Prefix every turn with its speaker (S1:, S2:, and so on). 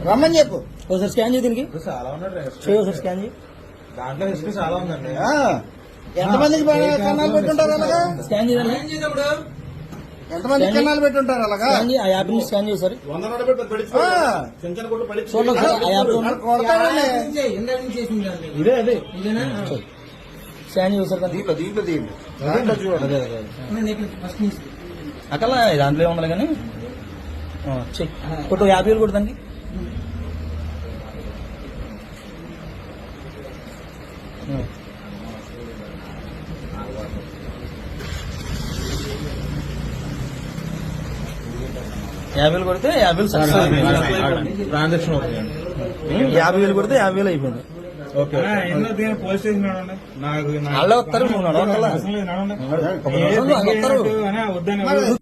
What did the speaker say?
S1: రమ్మని చెప్పు.
S2: ఒకసారి స్కాన్ చేయి దీనికి.
S3: చాలా ఉన్నాడు
S2: చేయి ఒకసారి స్కాన్ చేయి.
S3: దాంట్లో హిస్టరీ చాలా ఉందండి.
S1: ఎంతమందికి కన్నాలు పెట్టుంటారు అలాగా?
S2: స్కాన్ చేయండి.
S1: ఎంతమందికి కన్నాలు పెట్టుంటారు అలాగా?
S2: ఆ యాప్ ని స్కాన్ చేయి సార్.
S1: కొడతాడండి.
S3: ఇదే అదే
S2: స్కాన్ చేయి సార్.
S1: దీంట్లో చూడండి.
S2: అక్కడ దాంట్లో ఏముండాలి కానీ చెక్ కొట్టు 50,000 కొట్టు దానికి. $50,000 కొడితే 50,000 సక్సెస్.
S3: ట్రాన్సాక్షన్
S2: 50,000 కొడితే 50,000 అయిపోయింది.
S3: పోలీస్ స్టేషన్
S2: వాళ్ళు వస్తారు, నువ్వు నడవక్కర్లా.
S3: వద్దని